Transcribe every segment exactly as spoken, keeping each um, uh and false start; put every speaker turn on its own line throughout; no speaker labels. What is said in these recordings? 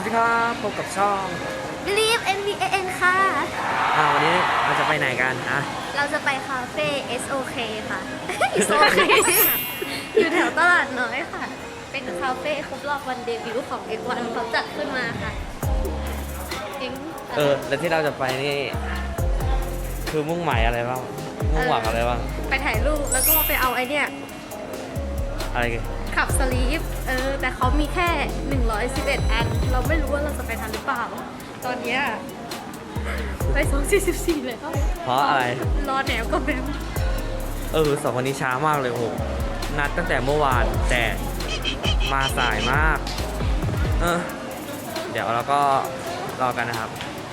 วัสดีครับพบกับช่อง
Believe เอ็น วี เอ เอ็น ค่ะ
อ่าวันนี้เราจะไปไหนกันอ่ะ
เราจะไปคาเฟ่ เอส โอ เค ค่ะ เอส โอ เค อยู่แถวตลาดน้อยค่ะ เป็นคาเฟ่ครบรอบวันเดบิวต์ของ เอ็กซ์ วัน เขาจัดขึ้นมาค่ะเอง
เออแล้วที่เราจะไปนี่คือมุ่งหมายอะไรบ้างมุ่งหวังอะไรบ้าง
ไปถ่ายรูปแล้วก็ไปเอาไอเนี่ย
อะไรกัน
ขับสลีปเออ แต่เขามีแค่ หนึ่งร้อยสิบเอ็ด อัน เราไม่รู้ว่าเราจะไปทันหรือเปล่า ตอนเนี้ยไปสองสี่สิบสี่เลย
เพราะอะไร
รอแนวก็แบบ
เออสองคนนี้ช้ามากเลยโอ้โหนัดตั้งแต่เมื่อวานแต่มาสายมากเออเดี๋ยวเราก็รอกันนะครับ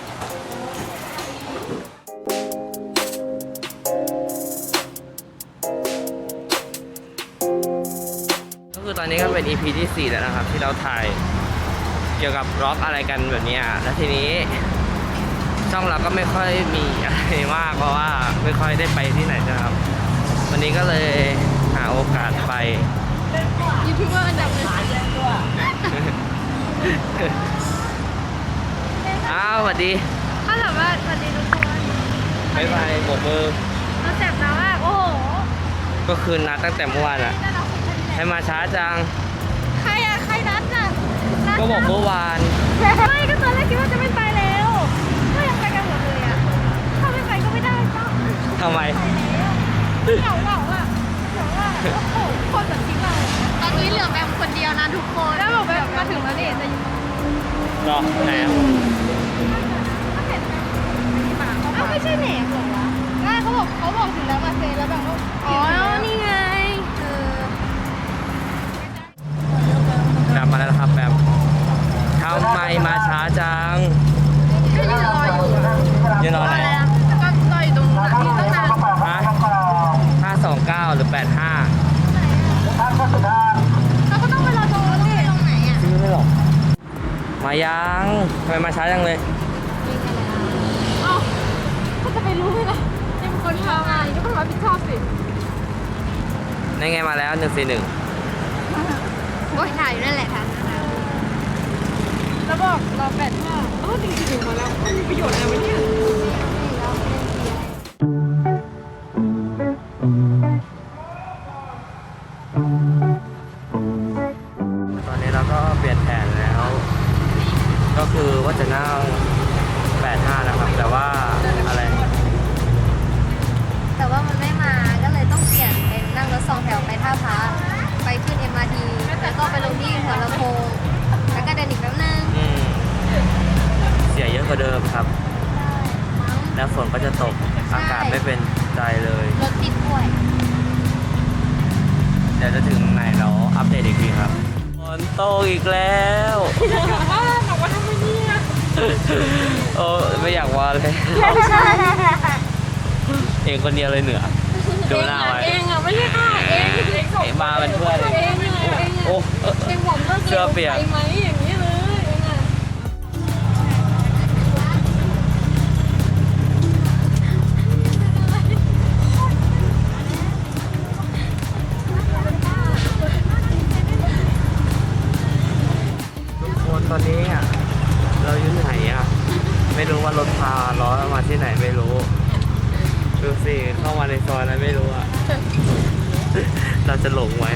ก็คือตอนนี้ก็เป็น อี พี ที่ สี่แล้วนะครับที่เราถ่ายเกี่ยวกับร็อกอะไรกันแบบนี้อ่ะแล้วทีนี้ช่องเราก็ไม่ค่อยมีอะไรมากเพราะว่าไม่ค่อยได้ไปที่ไหนนะครับวันนี้ก็เลยหาโอกาสไป
ยูทูบเบอร์อันดับหนึ่ง
อ้าวสวัสดี
ถ้าถามว่าสวัสดีทุกคน
บ๊ายบายโบกมือ
เราแสบน้ำมากโอ้โห
ก็คือนัดตั้งแต่เมื่อวานอ่ะ
น่ารักสุดๆ
ให้มาช้าจัง
ใครอะใครนัดน่ะนัด
ก็บอกเมื่อวาน
ไม่ก็ตอนแรกคิดว่าจะไม่ไปแล้วก็ยังไปกันหมดเลยอะถ้าไม่ไปก็ไม่ได้ก็
ทำไม
เหงาเหงาอะเหงาอะโอ้โหคนแบบทิ้งเราตอนนี้เหลือแบมคนเดียวนะทุกคนแล้วบอกแบมมาถึงแล้วนี่จะอยู่
รอไหนอ่ะ
อ้าวไม่ใช่แหนมเหรอวะไม่เขาบอกเขาบอกถึงแล้วมาเซแล้วแบบว่าอ๋อนี่ไงเออ
แบมมาแล้วครับแบมทำไมมาช้าจัง
ก็ยืนรออยู่
ยืนรอไหน
แล้วก็รออยู่ตรงนั้นที่ตั้งนาน
ฮะห้าสองเก้าหรือแปดห้า
เราก็ต้องไปรอตรงนั้นดิตรงไหนอ่ะ
ซื้อไม่หรอกมายังทำไมมาช้าจังเลย
เอ้าเขาจะไปรู้ไหมล่ะยังเป็นคนทำงานก็ต้องรับผิดชอบสิ
ในไงมาแล้วหนึ่งสี่หนึ่ง
โอ้ยถ่ายอยู่นั่นแหละค่ะแล้วบอกรอแปดห้าเออจริงๆถึงมาแล้วมีประโยชน์อะไรวะเนี่ย
ตอนนี้เราก็เปลี่ยนแผนแล้ว ก็คือว่าจะนั่งแปดห้านะครับแต่ว่าอะไร
แต่ว่ามันไม่มาก็เลยต้องเปลี่ยนเป็นนั่งรถสองแถวไปท่าพระไปขึ้น เอ็ม อาร์ ที แล้วก็ไปลงที่หัวลำโพงแล้วก็เดินอีกแป๊บนึง
อืมเสียเยอะกว่าเดิมครับ แล้วฝนก็จะตกอากาศไม่เป็นใจเลย
รถติดด้วย
เดี๋ยวจะถึงไหนเราอัปเดตอีกทีครับฝนตกอีกแล้วบอกว่าทำไมเนี่ยโอ้ไม่อยากว่าเลยเองคนเดียวเลยเหนือดูหน้าไว้
เองอ่ะไม่ใช่ค่ะเองเองส่ง
เองมาเป็นเพื่อนเลย
เองยังไงเอง
โอ้
อ่ะเองผมก็
เสื้อเปียก
ไปไหมอย่างนี้เลยเองอ่ะ
ทุกคนตอนนี้อ่ะเราอยู่ไหนอ่ะไม่รู้ว่ารถพาล้อมาที่ไหนไม่รู้ดูสิเข้ามาในซอยอะไรไม่รู้อ่ะ เราจะหลงไหม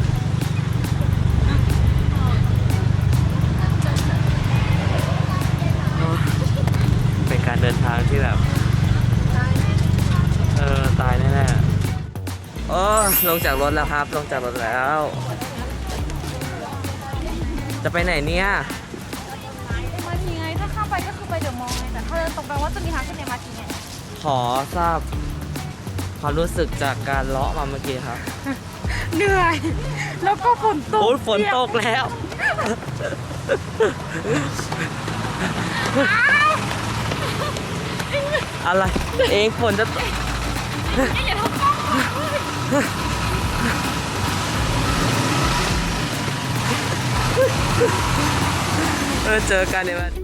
เป็นการเดินทางที่แบบเออตายแน่ๆโอ้ลงจากรถแล้วครับลงจากรถแล้ว จะไปไหนเนี่ย
มาทีไงถ้าข้ามไปก็คือไปเดอะมอลล์ไงแต่ถ้าเดินตรงไปว่าจะมีทางขึ้นเอ็ม อาร์ ทีไง
ขอทราบความรู้สึกจากการเลาะมาเมื่อกี้ครับ
เหนื่อยแล้วก็ฝนตก
โอ้ยฝนตกแล้ว อะไร เองฝนจะตกเออเจอกันเนี่ยมัน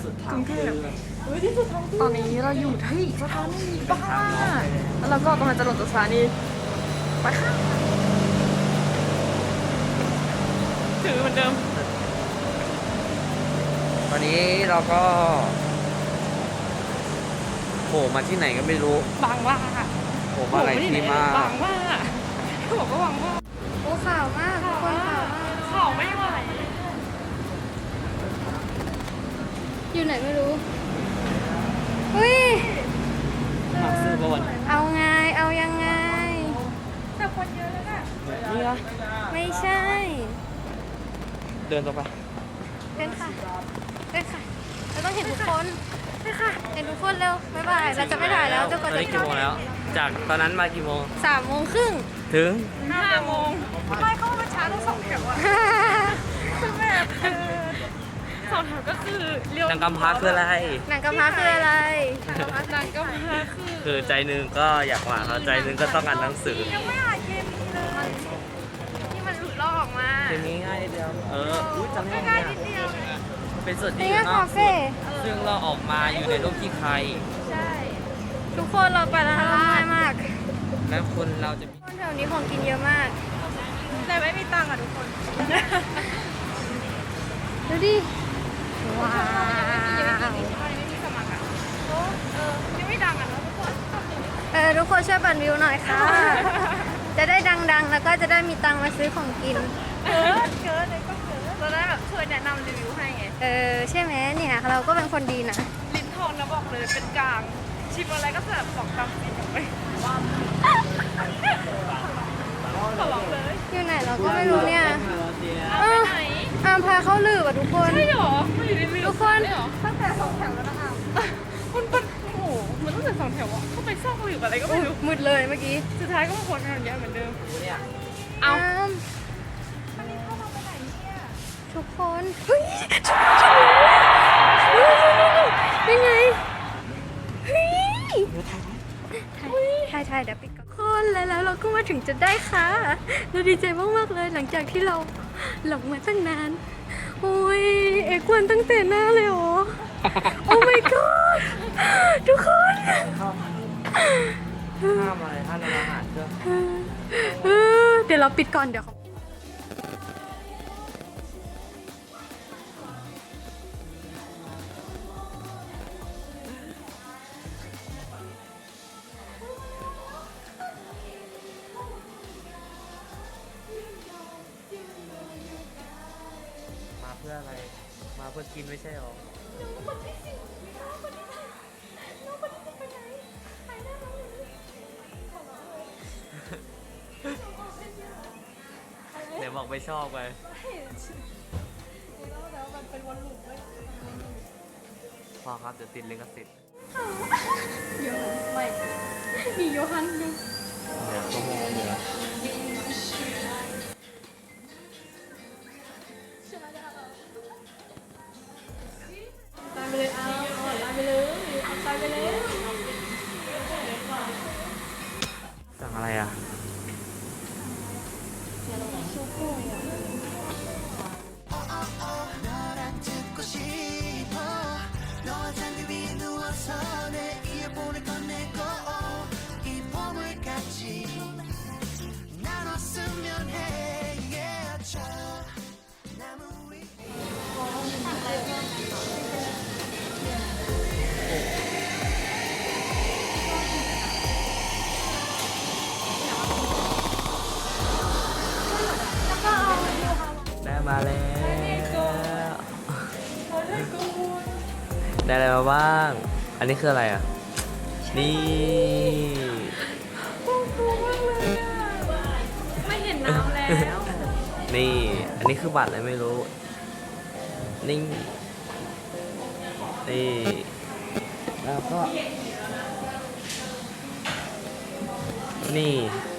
สุดทางเพื่อน
ตอนนี้เราอยู่ที่สถานีบ้าแล้วเราก็กำลังจะลงจากสถานีไปค่ะถือเหมือนเดิม
ตอนนี้เราก็โผล่มาที่ไหนก็ไม่รู้
บางว่า
โผล่มาหลายที่มาก
บางว่าเขาบอกว่าบางว่า
โอ้ข่าวมากทุกคนข่าวมาก
ข่าวไม่ไหว
อยู่ไหนไม่รู้เฮ้ย
มาซื้อประวัน
เอาไงเอายังไง
แต่คนเยอะแล้วน่ะ
นี่เหรอ
ไม่ใช่
เดินตรงไป
เดินค่ะเดินค่ะเราต้องเห็นทุกคนเดินค่ะเห็นทุกคนเร็วบ๊ายบายเราจะไม่ถ่ายแล้วจนกว่า
ตอน
จะ
นี้กี่โมงแล้ว จากตอนนั้นมากี่โมง
สามโมงครึ่ง
ถึง
ห้าโมงไม่เข้ามาช้าต้องสองแถวอะคือแบบเออสองแถวก็คือเลี้ยว
นางกำพร้าคืออะไร
หนังกำพร้าคืออะไร
นางก็มาคือ
คือใจหนึงก็อยากมาเขาใจหนึงก็ต้องอ่านหนังสือ
ยังไม่อ่านเกมนี้เลย
ที่มันหลุดลอกออกมา
เกมนี้ง่ายนิดเดียว เอออุ้ยจำได้
ง่าย
ไง
นิดเดียว
เป็นส่วนที่
นี่
อยู่
ก็
นอ
คาก เฟ่
ซึ่งเราออกมาอยู่ในโลกที่ใคร
ใช่
ทุกคนเราไปแล้วเราง่ายมาก
และคนเราจะมี
คนแถวนี้ของกินเยอะมาก
แต่ไม่มีตังค์อ่ะทุกคน
ดูดิ ว้าว
ยังไม่มีสมัครอ่ะโอ้เออยังไม่ดังอ่ะเนาะทุกคน
เออทุกคนช่วยปั่นวิวหน่อยค่ะ จะได้ดังๆ แล้วก็จะได้มีตังค์มาซื้อของกิน
เกินเกินเลยก็เกินเราได้แบบช่วยแนะนำรีวิวให้ไง
เออใช่ไหมเนี่ยเราก็เป็นคนดีนะ
ลิ้นทองนะบอกเลยเป็นกลาง ชิมอะไรก็จะแบบบอกตามสีไปขอลองเลย
อยู่ไหนเราก็ไม่รู้เนี่ย
เอาไปไหน
อามพาเข้าลืบอ่ะทุกคน
ใช่หรอมันอยู่ในเรือ
ทุกคน
ใช่หรอตั้งแต่สองแถวแล้วนะอ่ะมันเป็นโอ้โหมันตั้งแต่สองแถวอ่ะเข้าไปซ่องหรืออะไรก็ไม่รู้
มืดเลยเมื่อกี้
สุดท้ายก็มาวนกันอย่างเงี้ยเหมือนเดิม
เนี่ย
เอา
อาม
อันนี้เข้ามาไปไหนเนี่ย
ทุกคนเฮ้ยยังไงเฮ้ยถ่ายถ่ายเดี๋ยวปิดก่อนคนแล้วแล้วเราก็มาถึงจะได้ค่ะเราดีใจมากๆเลยหลังจากที่เราหลงมาตั้งนานโอ้ยเอกวันตั้งแต่หน้าเลยเหรอ โอ้ my god ทุกคน
ห้ามอะไรห้ามอาหารเครื่อง
เออเดี๋ยวเราปิดก่อนเดี๋ยวเขา
มาเพื่ออะไร มาเพื่อกินไม่ใช่หรอ เดี๋ยวบอกไม่ชอบไปพอครับเดี๋ยวติดลิขสิทธิ์
โยไม่มีโยฮันด้วย
เดี๋ยวก็มองเหนือ
ตายไปเลยเอาตายไปเลยตายไปเลย
สั่งอะไรอ่ะ ได้มาแล้ว ได้อะไรมาบ้าง อันนี้คืออะไรอ่ะ นี่
ไม่เห็นน้ำแล้ว
นี่ อันนี้คือบัตรอะไรไม่รู้ นี่ นี่ แล้วก็ นี่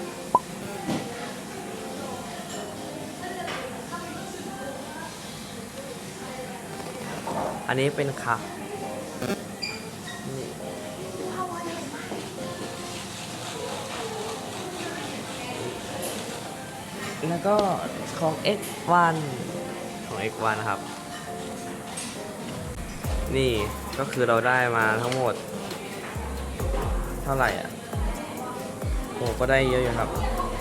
อันนี้เป็นคัพนี่แล้วก็ของ เอ็กซ์ วัน ของ เอ็กซ์ วัน ครับนี่ก็คือเราได้มาทั้งหมด เท่าไหร่อ่ะโอ้ก็ได้เยอะอยู่ครับ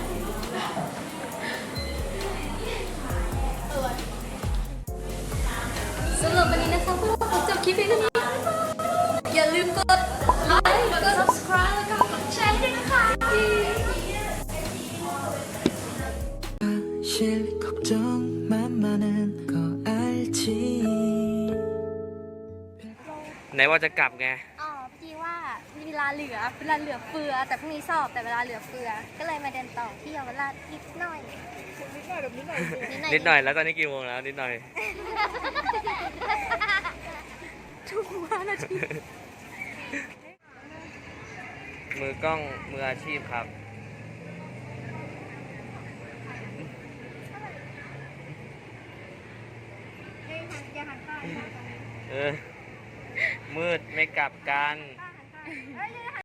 สำหรับวันนี้นะคะพวกเราขอจบคลิปเพียงเท่านี้อย่าลืมกดไลค์กด subscribe แล้วก็กดแชร์ด้วยนะคะ
사실 걱정만 많은 거 알지
ไหนว่าจะกลับไง
อ๋อพอดีว่าเวลาเหลือเวลาเหลือเฟือ แต่พรุ่งนี้สอบแต่เวลาเหลือเฟือ ก็เลยมาเดินต่อที่เยาวราชนิดหน่อย นิดหน่อยแบบนิดหน่อยนิดหน่อย
นิดหน่อยแล้วตอนนี้กี่โมงแล้วนิดหน่อย
ทุกวันนาที
มือกล้องมืออาชีพครับ เออ มืดไม่กลับกัน